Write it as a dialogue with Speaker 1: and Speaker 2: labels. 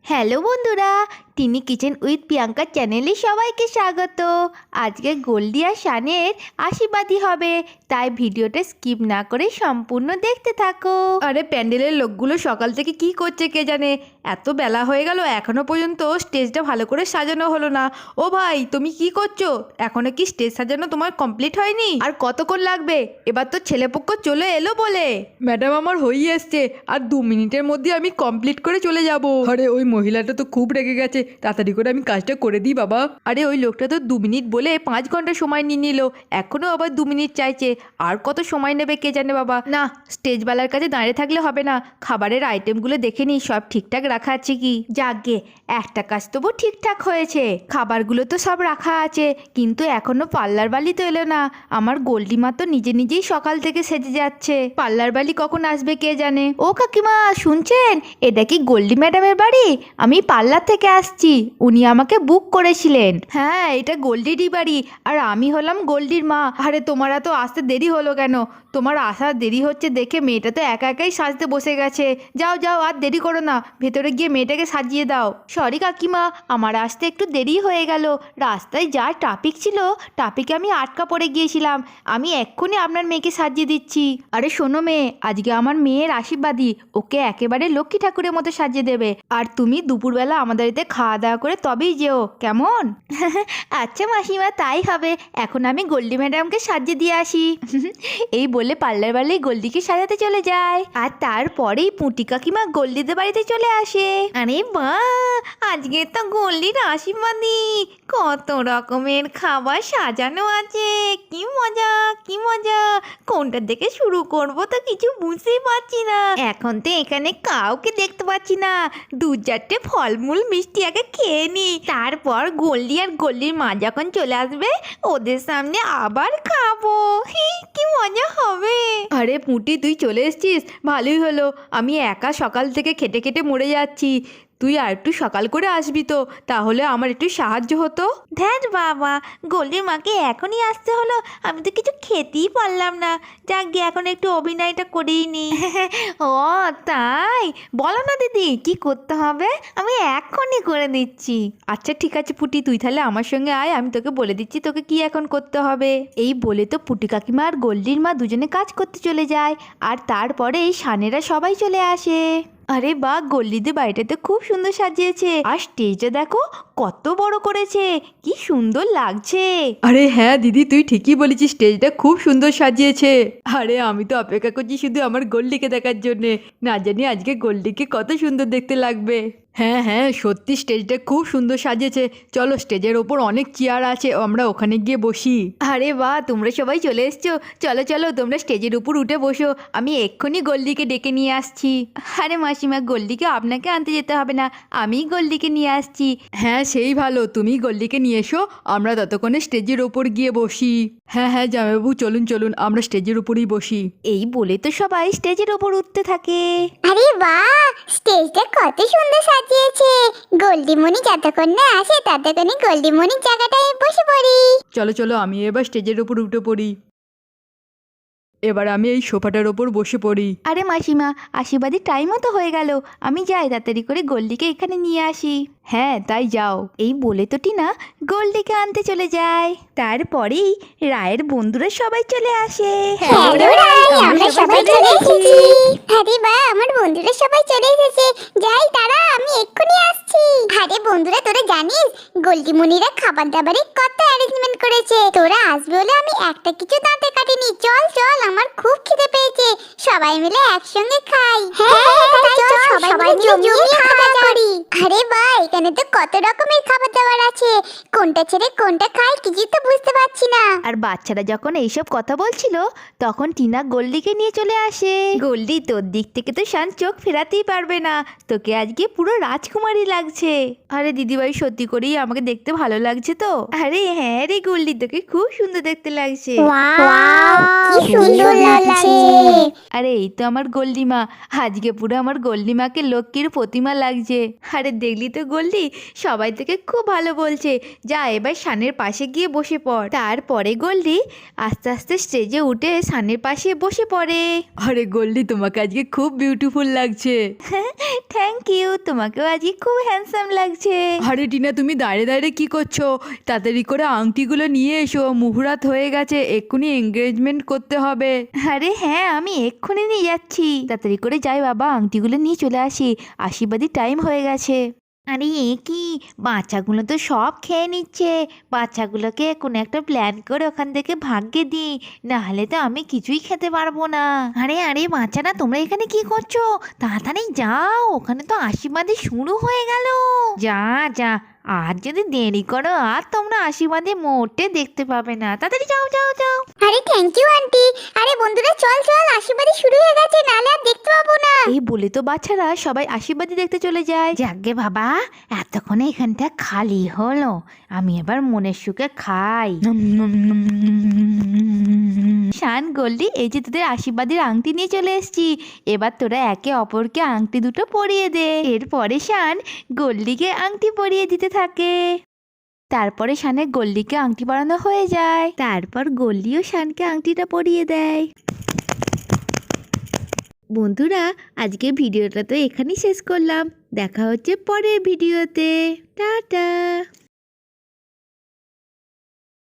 Speaker 1: Hello বন্ধুরা, টিনি kitchen with Priyanka চ্যানেলে সবাইকে স্বাগত। আজকে গোল্ডি আর শানের আশীর্বাদী হবে, তাই ভিডিওটা স্কিপ না করে সম্পূর্ণ দেখতে থাকো।
Speaker 2: আরে প্যান্ডেলের লোকগুলো সকাল থেকে কি করছে কে জানে, এত বেলা হয়ে গেল এখনো পর্যন্ত স্টেজটা ভালো করে সাজানো হলো না। ও ভাই, তুমি কি করছো? এখনো কি স্টেজ সাজানো তোমার কমপ্লিট হয়নি? আর কতক্ষণ লাগবে? এবার তো ছেলেপক্ষ চলে এলো বলে। ম্যাডাম, আমার হয়েই এসছে, আর 2 মিনিটের মধ্যে আমি কমপ্লিট করে চলে যাব। আরে ওই মহিলাটা তো খুব রেগে গেছে, তাড়াতাড়ি করে আমি কাজটা করে দিই বাবা। আরে ওই লোকটা তো 2 মিনিট বলে 5 ঘন্টা সময় নিয়ে নিল, এখনো আবার 2 মিনিট চাইছে। আর কত সময় নেবে কে জানে বাবা। না, স্টেজওয়ালার কাছে দাঁড়িয়ে থাকলে হবে না, খাবারের আইটেমগুলো দেখে নিই সব ঠিকঠাক রাখা আছে কি। যাকগে, একটা কাজ তবু ঠিকঠাক হয়েছে, খাবারগুলো তো সব রাখা আছে, কিন্তু এখনো পার্লার বালি তো এলো না। আমার গোল্ডি মা তো নিজে নিজেই সকাল থেকে সেজে যাচ্ছে, পার্লার বালি কখন আসবে কে জানে। ও কাকিমা, শুনছেন? এটা কি গোল্ডি ম্যাডামের বাড়ি? আমি পার্লার থেকে আসছি, উনি আমাকে বুক করেছিলেন। হ্যাঁ, এটা গোল্ডিরই বাড়ি, আর আমি হলাম গোল্ডির মা। আরে তোমার তো আসতে দেরি হলো কেন? তোমার আসার দেরি হচ্ছে দেখে মেয়েটা তো একা একাই সাজতে বসে গেছে। যাও যাও, আর দেরি করো না, ভেতরে গিয়ে মেয়েটাকে সাজিয়ে দাও। সরি কাকিমা, আমার আসতে একটু দেরি হয়ে গেল, রাস্তায় যা ট্রাফিক ছিল, ট্রাফিকে আমি আটকা পড়ে গিয়েছিলাম। আমি এক্ষুনি আপনার মেয়েকে সাজিয়ে দিচ্ছি। আরে শোনো মেয়ে, আজকে আমার মেয়ের আশীর্বাদী, ওকে একেবারে লক্ষ্মী ঠাকুরের মতো সাজিয়ে দেবে। আর তুমি দুপুরবেলা আমাদের বাড়িতে খাওয়া দাওয়া করে তবেই যেও, কেমন? আচ্ছা মাসিমা, তাই হবে। এখন আমি গোল্ডি ম্যাডামকে সাজিয়ে দিয়ে আসি। এই বলে পার্লার বালি গোল্ডিকে সাজাতে চলে যায়, আর তারপরেই পুঁটি কাকিমা গোল্ডিদের বাড়িতে চলে আসে। আরে বাহ, আজকে তো গোল্ডির আশীর্বাদী, কত রকমের খাবার সাজানো আছে, কি মজা কি মজা। কোনটা থেকে শুরু করব তো কিছু বুঝতেই পারছি না। এখন তো এখানে কাউকে দেখতে পাচ্ছি না, 2-4টে ফলমূল মিষ্টি আগে খেয়ে নি, তারপর গোল্ডি আর গোল্ডির মা যখন চলে আসবে ওদের সামনে আবার খাবো। কি মজা হবে। আরে পুঁটি, তুই চলে এসেছিস, ভালোই হলো। আমি একা সকাল থেকে খেটে খেটে মরে যাচ্ছি, তুই আর একটু সকাল করে আসবি তো, তাহলে আমার একটু সাহায্য হতো। ধ্যান বাবা, গোল্ডির মাকে এখনই আসতে হলো, আমি তো কিছু খেতেই পারলাম না। যাক গিয়ে এখন একটু অভিনয়টা করেই নি। ও তাই, বলো না দিদি কি করতে হবে, আমি এখনই করে দিচ্ছি। আচ্ছা ঠিক আছে পুটি, তুই তাহলে আমার সঙ্গে আয়, আমি তোকে বলে দিচ্ছি তোকে কি এখন করতে হবে। এই বলে তো পুটি কাকিমা আর গোল্ডির মা দুজনে কাজ করতে চলে যায়, আর তারপরে এই সানেরা সবাই চলে আসে। আরে বাহ, গোল্ডিদের বাড়িটাতে খুব সুন্দর সাজিয়েছে, আর স্টেজটা দেখো কত বড় করেছে, কি সুন্দর লাগছে। আরে হ্যাঁ দিদি, তুই ঠিকই বলেছিস, স্টেজটা খুব সুন্দর সাজিয়েছে। আরে আমি তো অপেক্ষা করছি শুধু আমার গোল্ডিকে দেখার জন্যে, না জানি আজকে গোল্ডিকে কত সুন্দর দেখতে লাগবে। হ্যাঁ হ্যাঁ, সত্যি স্টেজটা খুব সুন্দর সাজিয়েছে। চলো, স্টেজের ওপর অনেক চেয়ার আছে, আমরা ওখানে গিয়ে বসি। আরে বাহ, তোমরা সবাই চলে এসছো, চলো চলো তোমরা স্টেজের উপর উঠে বসো, আমি এক্ষুনি গোল্ডিকে ডেকে নিয়ে আসছি। আরে মাসিমা, গোল্ডিকে আপনাকে আনতে যেতে হবে না, আমি গোল্ডিকে নিয়ে আসছি। হ্যাঁ সেই ভালো, তুমি গোল্ডিকে নিয়ে এসো, আমরা ততক্ষণে স্টেজের ওপর গিয়ে বসি। হ্যাঁ হ্যাঁ জামাইবাবু, চলুন চলুন, আমরা স্টেজের উপরেই বসি। এই বলে তো সবাই স্টেজের ওপর উঠতে থাকে।
Speaker 3: আরে বাহ, স্টেজটা কত সুন্দর সাজিয়েছে। গোল্ডিমণি যতক্ষণ না আসে ততক্ষণে গোল্ডিমণির জায়গাটায় বসে পড়ি।
Speaker 2: চলো চলো, আমি এবার স্টেজের উপর উঠে পড়ি। এবার আমি এই সোফাটার ওপর বসে পড়ি।
Speaker 1: আরে মাসিমা, আশীর্বাদী টাইমও তো হয়ে গেল, আমি যাই তাড়াতাড়ি করে গোল্ডিকে এখানে নিয়ে আসি। হ্যাঁ তাই যাও। এই বলে তো টিনা গোল্ডিকে আনতে চলে যায়, তারপরেই রায়ের বন্ধুরা সবাই চলে আসে।
Speaker 3: হ্যালো রাই, আমরা সবাই চলে এসেছি। আরে বাহ, আমার বন্ধুরা সবাই চলে এসেছে, যাই তারা, আমি এক্ষুনি আসছি। আরে বন্ধুরা, তোরা জানিস গোল্ডিমণিরা খাবার দাবারের কত অ্যারেঞ্জমেন্ট করেছে, তোরা আসবে বলে আমি একটা কিছু দাঁতে কাটিনি। চল চল, আমার খুব খিদে পেয়েছে, সবাই মিলে একসঙ্গে খাই। হ্যাঁ তাই চল, সবাই মিলে জমিয়ে খাওয়া করি। আরে বাহ, এখানে তো কত রকমের খাবার দাবার আছে, কোনটা ছেড়ে কোনটা খাই কিছু তো বুঝতে পারছি না।
Speaker 1: আর বাচ্চারা যখন এইসব কথা বলছিল তখন টিনা গোল্ডিকে নিয়ে চলে আসে। গোল্ডি, তোর দিক থেকে তো শান চোখ ফেরাতেই পারবে না, তোকে আজকে পুরো রাজকুমারী লাগছে। আরে দিদিভাই, সত্যি করেই আমাকে দেখতে ভালো লাগছে তো? আরে হ্যাঁ রে গোল্ডি, তোকে খুব সুন্দর দেখতে লাগছে।
Speaker 3: ওয়াও, কি সুন্দর লাগছে।
Speaker 1: আরে এই তো আমার গোল্ডিমা, আজকে পুরো আমার গোল্ডিমাকে লক্ষ্মীর প্রতিমা লাগছে। আরে দেখলি তো গোল্ডি, সবাই তোকে খুব ভালো বলছে। যা এবার শানের পাশে গিয়ে বসে পড়। তারপরে গোল্ডি আস্তে আস্তে স্টেজে উঠে শানের পাশে বসে পড়ে।
Speaker 2: আরে গোল্ডি, তোমাকে আজকে খুব বিউটিফুল লাগছে।
Speaker 1: থ্যাংক ইউ, তোমাকেও আজকে খুব হ্যান্ডসাম লাগছে।
Speaker 2: আরে টিনা, তুমি দাঁড়িয়ে দাঁড়িয়ে কি করছো? তাড়াতাড়ি করে আংটিগুলো নিয়ে এসো, মুহুরাত হয়ে গেছে, এক্ষুনি এঙ্গেজমেন্ট করতে হবে।
Speaker 1: আরে হ্যাঁ, আমি এক্ষুনি নিয়ে যাচ্ছি। তাড়াতাড়ি করে যাই বাবা, আংটিগুলো নিয়ে চলে আসি, আশীর্বাদী টাইম হয়ে গেছে। আরে এ কি, বাচ্চাগুলো তো সব খেয়ে নিচ্ছে। বাচ্চাগুলোকে কোনো একটা প্ল্যান করে ওখান থেকে ভাগ্যে দিই, নাহলে তো আমি কিছুই খেতে পারবো না। আরে আরে বাচ্চারা, তোমরা এখানে কি করছো? তাড়াতাড়ি যাও, ওখানে তো আশীর্বাদী শুরু হয়ে গেল। যা যা, আর যদি দেরি করো আর তোমরা আশীর্বাদী মোটে দেখতে পাবে না। তাড়াতাড়ি যাও যাও যাও।
Speaker 3: আরে থ্যাংক ইউ আন্টি। আরে বন্ধুরা চল চল, আশীর্বাদী শুরু হয়ে গেছে, নাহলে আর দেখতে পাবো না।
Speaker 1: এই বলে তো বাচ্চারা সবাই আশীর্বাদী দেখতে চলে যায়। যাকে বাবা, এতক্ষণে এখানটা খালি হলো, আমি এবার মনের সুখে খাই। শান, গোল্ডি, এই যে তোদের আশীর্বাদের আংটি নিয়ে চলে এসেছি, এবার তোরা একে অপরকে আংটি দুটো পরিয়ে দে। এরপরে শান গোল্ডিকে আংটি পরিয়ে দিতে থাকে। তারপরে শানের গোল্ডিকে আংটি পরানো হয়ে যায়। তারপর গোল্ডিও শানকে আংটিটা পরিয়ে দেয়। বন্ধুরা, আজকে ভিডিওটা তো এখানেই শেষ করলাম। দেখা হচ্ছে পরের ভিডিওতে। টাটা।